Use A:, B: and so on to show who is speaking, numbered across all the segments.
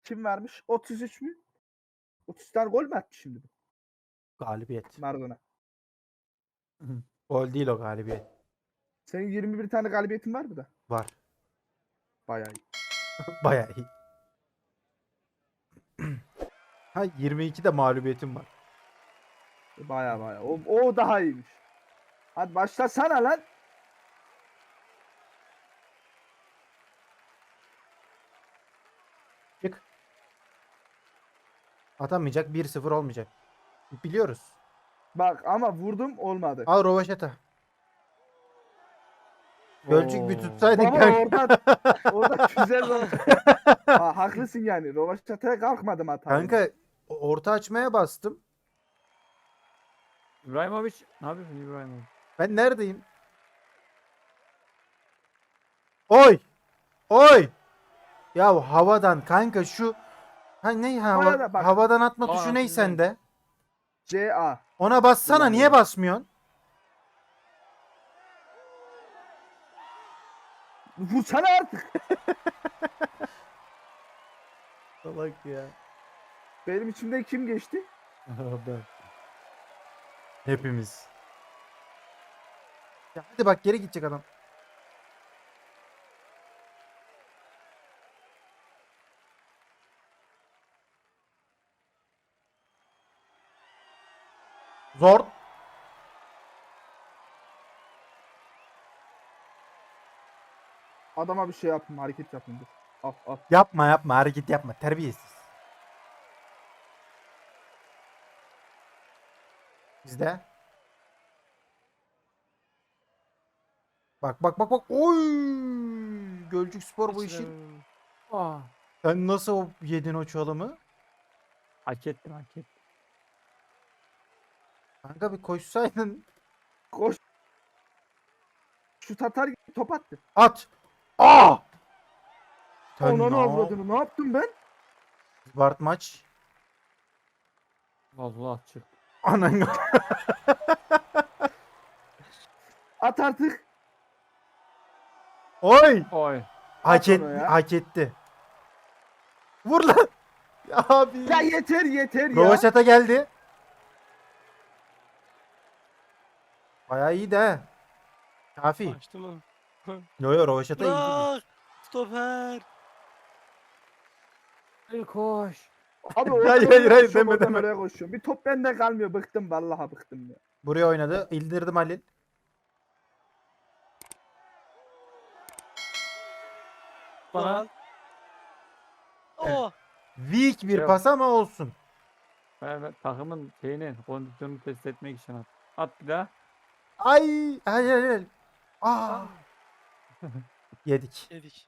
A: Kim vermiş? 33 mü? 30 tane gol mü attı şimdi bu
B: Galibiyet.
A: Maradona?
B: Gol değil o galibiyet.
A: Senin 21 tane galibiyetin var mı da?
B: Var.
A: Bayağı iyi.
B: Bayağı iyi. Ha 22 de mağlubiyetim var.
A: Bayağı. O daha iyiymiş. Hadi başlasana lan.
B: Çık. Atamayacak 1-0 olmayacak. Biliyoruz.
A: Bak ama vurdum olmadı.
B: Al Rovaşeta. Gölcük bir
A: Oo.
B: tutsaydın
A: Baba
B: kanka.
A: orada güzel oldu. Ha, haklısın yani. Rovaşata'ya kalkmadım hata.
B: Kanka orta açmaya bastım.
C: İbrahimovic. Ne yapıyorsun İbrahimovic?
B: Ben neredeyim? Oy! Oy! Ya havadan kanka şu ne
A: Orada bak.
B: havadan atma
C: Aa,
B: tuşu ney
C: güzel.
B: sende?
A: CA.
B: Ona bassana, niye basmıyorsun?
A: Vursana artık.
B: Salak ya.
A: Benim içimden kim geçti?
B: Ben. Hepimiz. Ya hadi bak, geri gidecek adam. Zor.
A: Adama bir şey yapayım, hareket yapayım. Dur. Al.
B: Yapma hareket yapma, terbiyesiz. Bizde. Bak. Oy! Gölcük Spor bu işin.
C: Aa.
B: Sen nasıl yedin o çalımı?
C: Hak ettim.
B: Kanka bir koşsaydın.
A: Koş. Şut atar gibi top attı.
B: At. Aa! Sen
A: Onu
B: ne
A: avradını. Ne yaptım ben?
B: Bart maç.
C: Allah çık.
B: Anan.
A: At artık.
B: Oy!
C: Oy.
B: Hak,
A: At onu ya.
B: hak etti. Vur lan. Ya abi.
A: Ya yeter ya.
B: Rovaşata geldi. Bayağı iyi de. Kafi.
D: Açtı mı?
B: Yo Rovaşata iyi değil.
D: Bırak! Stoper!
C: Hadi koş.
A: Abi
B: Hayır, deme, deme.
A: Oraya koşuyorum. Bir top bende kalmıyor. Bıktım vallahi bıktım ya.
B: Buraya oynadı. İldirdim Halil.
C: Bana.
D: Lan. Oh!
B: Weak bir
C: Yok.
B: pas ama olsun.
C: Ben takımın kondisyonunu test etmek için at. At bir daha.
B: Ay. Hayır. Aa. Yedik.
D: Yedik.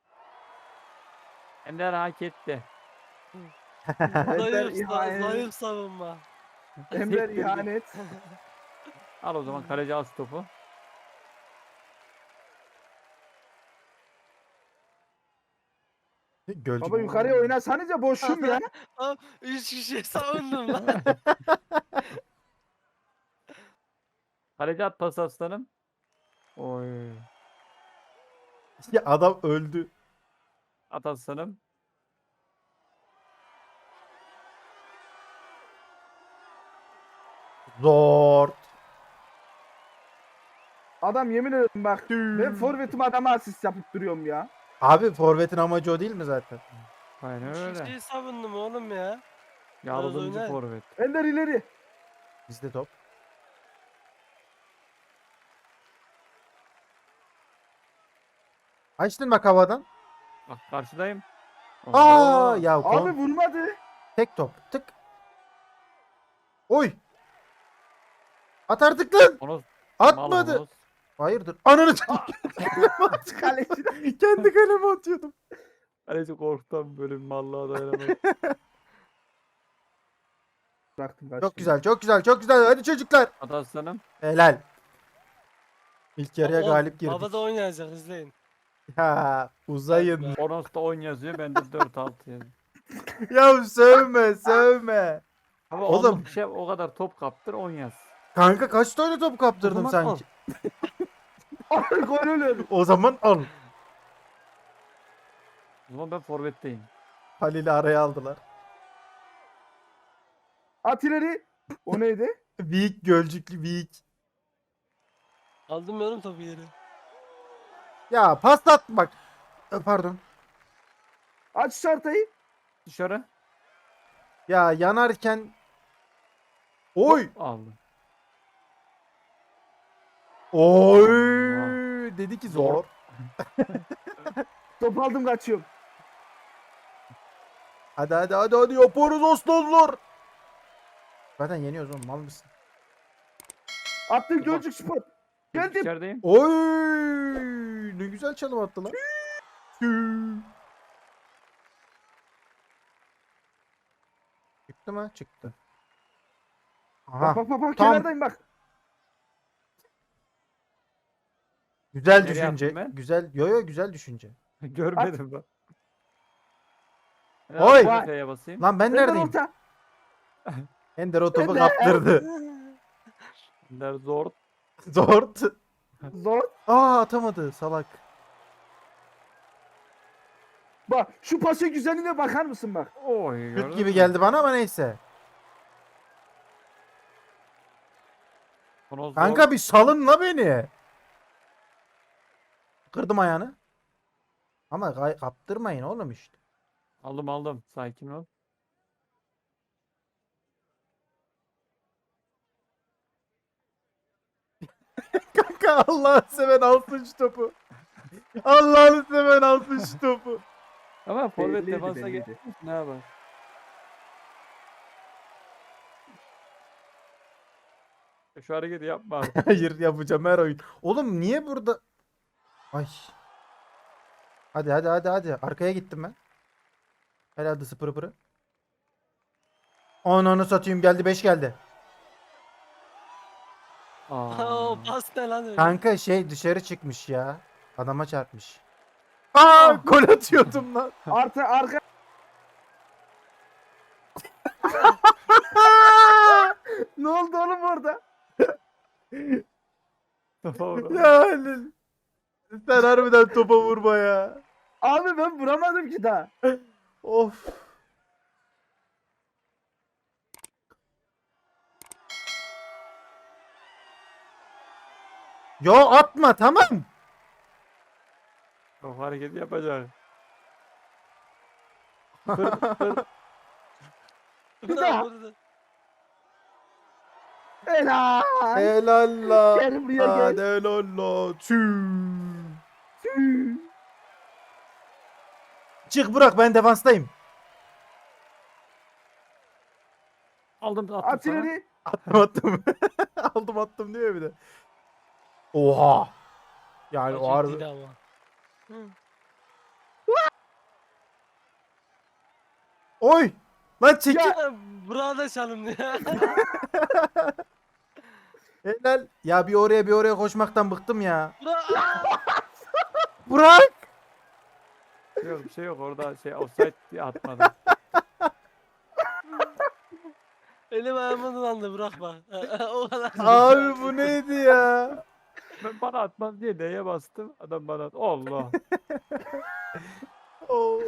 C: Ender hak etti.
A: Ender ihanet.
D: Zayıf savunma.
A: Ember ihanet.
C: Al o zaman, kaleci al topu.
B: Gölcük.
A: Baba yukarıya oynasanıza boşum ya.
D: Abi 3 kişi savundum lan.
C: Kaleci at pas aslanım. Oy.
B: Ya adam öldü.
C: At aslanım.
B: Zor.
A: Adam yemin ederim bak. Ben forvetim adama asist yapıp duruyorum ya.
B: Abi forvetin amacı o değil mi zaten?
C: Aynen
D: 3
C: öyle.
D: kişiyi savundum oğlum ya.
C: Yardımcı
D: oynar.
C: forvet.
A: Ender ileri.
B: Bizde top. Açtın bak havadan.
C: Bak karşıdayım.
B: Aa ya
A: Abi vurmadı.
B: tek top. Tık. Oy. At artık lan.
C: Onu
B: Atmadı.
C: Malos.
B: Hayırdır? Ananı
A: Kaleci.
B: kendi kaleme atıyordum.
C: Kaleci korktum, böyle bir mallığa dayanamadım.
A: Bıraktım
B: Çok güzel. Hadi çocuklar.
C: At aslanım.
B: Helal. İlk yarıya galip girdik.
D: Havada oynayacak izleyin.
B: Ya uzayın.
C: Onos'ta 10 yazıyor, bende 4-6 yazıyor.
B: Ya sövme.
C: Ama
B: Oğlum.
C: oğlum şey, o kadar top kaptır 10 yaz.
B: Kanka kaç tane top kaptırdım
C: O zaman
B: sanki?
A: Ay gol oluyordu.
B: O zaman al.
C: O zaman ben forvetteyim.
B: Halil'i araya aldılar.
A: At ileri. O neydi?
B: Büyük Gölcüklü büyük.
D: Aldım ben oğlum topu yere.
B: Ya pas at bak. Pardon.
A: Aç şu haritayı.
C: Dışarı.
B: Ya yanarken. Oy.
C: Aldım.
B: Oy.
C: Allah.
B: Dedi ki zor.
A: Top aldım kaçıyorum.
B: Hadi hadi hadi hadi yaparız Osmanlılar. Zaten yeniyoruz oğlum mal mısın?
A: Attım Gölcük Spor. Geldim.
C: İçerideyim.
B: Oy. Ne güzel çalım attı lan. Çıktı mı? Çıktı. Aha.
A: Bak bak bak
B: tam.
A: kenardayım bak.
B: Güzel
C: Nereye
B: düşünce.
C: attım ben?
B: Güzel. Yo yo güzel düşünce.
C: Görmedim bak.
B: Oy!
C: F'ye basayım.
B: Lan ben
A: Ender
B: neredeyim?
A: orta.
B: Ender o topu
A: Ender.
B: kaptırdı.
C: Ender zor.
B: Zor.
A: Zor.
B: Atamadı salak.
A: Bak şu pasın güzelliğine bakar mısın bak.
C: Oy.
B: Şut gibi geldi bana ama neyse. Kanka bir salın la beni. Kırdım ayağını. Ama kaptırmayın oğlum işte.
C: Aldım. Sakin ol.
B: Kanka Allah'ını seven alsın şu topu. Allah'ını seven alsın şu topu.
C: Ama forvet
A: Belliydi,
C: defansa
A: belliydi.
C: geçmiş. Ne yapar? Şu hareketi yapma abi.
B: Hayır yapacağım her oyun. Oğlum niye burada? Ay. Hadi hadi hadi hadi. Arkaya gittim ben. Herhalde sıpırı pırı. Ananı satayım geldi 5 geldi.
D: O
C: Aa.
D: pas ne lan öyle?
B: Kanka şey dışarı çıkmış ya. Adama çarpmış. Aa gol atıyordum lan.
A: Artı arka. Ne oldu oğlum orada?
C: Topa vur.
B: Ya Halil. Sen harbiden topa vurma ya.
A: Abi ben vuramadım ki daha.
B: Of. Yo atma tamam.
C: O hareketi yapacak. Kır, kır.
A: Bir daha.
D: Vurdu.
A: Helal.
B: Helal la.
A: Gel buraya gel.
B: Hadi helal la. Çık bırak ben defanstayım.
C: Attım
A: At
C: sana.
A: ileri.
B: Attım. Aldım attım diyor bir de. Oha. Yani o harbi.
D: Acıydı ama. Hı.
B: Oy. Lan çekil.
D: Ya burada çalımdı ya.
B: Helal. Ya bir oraya bir oraya koşmaktan bıktım ya.
D: Bura-
B: Bırak.
C: Yok bir şey yok orada şey offside diye atmadım.
D: Elim ayağıma dolandı bırak bak. O kadar.
B: Abi bu neydi ya?
C: Ben bana atmaz diye neye bastım. Adam bana at. Allah.
B: Oo.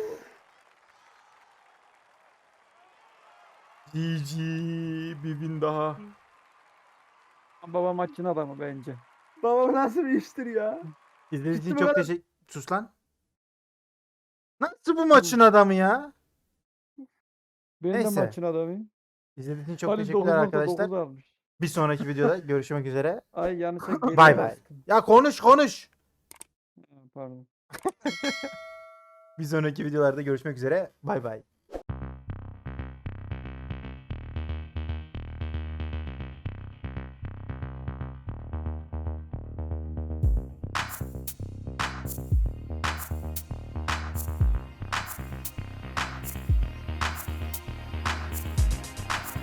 B: GG bir bin daha.
C: Baba maçın adamı bence.
A: Babam nasıl bir iştir ya?
B: İzlediğiniz için
A: Gitti mi
B: çok
A: lan?
B: teşekkür... Sus lan. Nasıl bu maçın adamı ya?
C: Ben de
B: Neyse.
C: maçın adamıyım.
B: İzlediğiniz için çok
C: Halil
B: teşekkürler
C: 9.9
B: arkadaşlar.
C: almış.
B: Bir sonraki videoda görüşmek üzere.
C: Ay yanlışlıkla geriye
B: Bay bay.
C: bastım.
B: Ya konuş.
C: Ha, pardon.
B: Bir sonraki videolarda görüşmek üzere. Bay bay.